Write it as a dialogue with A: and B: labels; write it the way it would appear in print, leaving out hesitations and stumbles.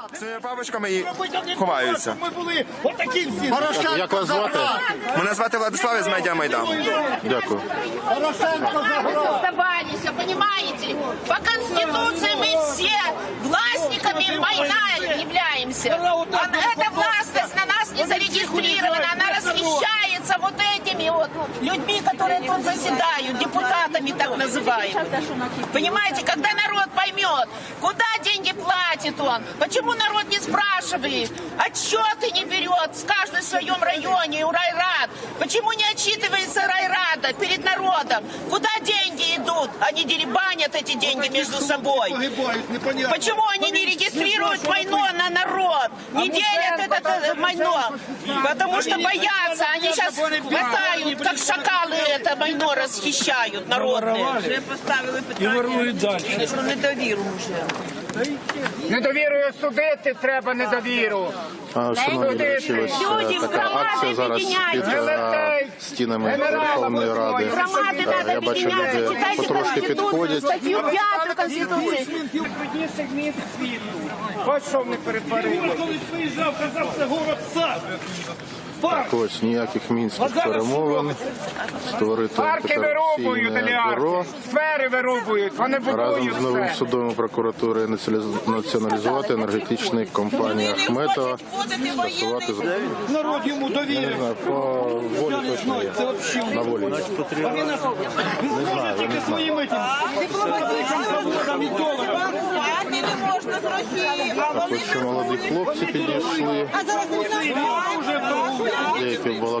A: З папочками і ховаються.
B: Ми були отакі всі.
C: Як вас звати?
A: Мене звати Владислав із Медіа Майдану.
C: Дякую.
D: Оставались, понимаете? По Конституции мы все властниками война являемся. Эта властность на нас не зарегистрирована, она расхищается вот этими вот людьми, которые тут заседают, депутатами так называемыми. Понимаете, когда народ поймет, куда деньги платит он, почему народ не спрашивает, отчеты не берет в каждом своем районе, у райрад, почему не отчитывается райрада перед народом, куда деньги идут, они деребанят эти деньги между собой. Почему они не регистрируют майно на народ, не делят это майно, потому что боятся, они сейчас хватают, как шакалы это майно расхищают народные.
E: Вже поставили питання про недовіру вже.
B: Недовірою судити треба недовіру.
C: Шановні глядачі, ось така акція зараз під стінами Верховної Ради. Я бачу, люди потрошки підходять.
D: Статтю 5 Конституції.
B: Найбрудніших міст світу. Ось що вони перетворили.
F: Коли приїжджав, казав, це город сад.
C: Так ось, ніяких мінських перемовин. Створити
B: Парки вирубують,
C: антикорупційне бюро.
B: олігархи. Сфери вирубують. Вони
C: Разом
B: будують
C: з новим
B: все.
C: судом і прокуратурою націоналізувати енергетичні компанії Ахметова. Скасувати
F: Народ йому
C: не
F: довірив.
C: знаю, по волі точно є. На волі є. Не знаю, я не знаю.
F: Своїми дипломатичним заводом і доларом.
E: Не можна з Росії.
C: Так ось ще молоді хлопці підійшли. Деякі в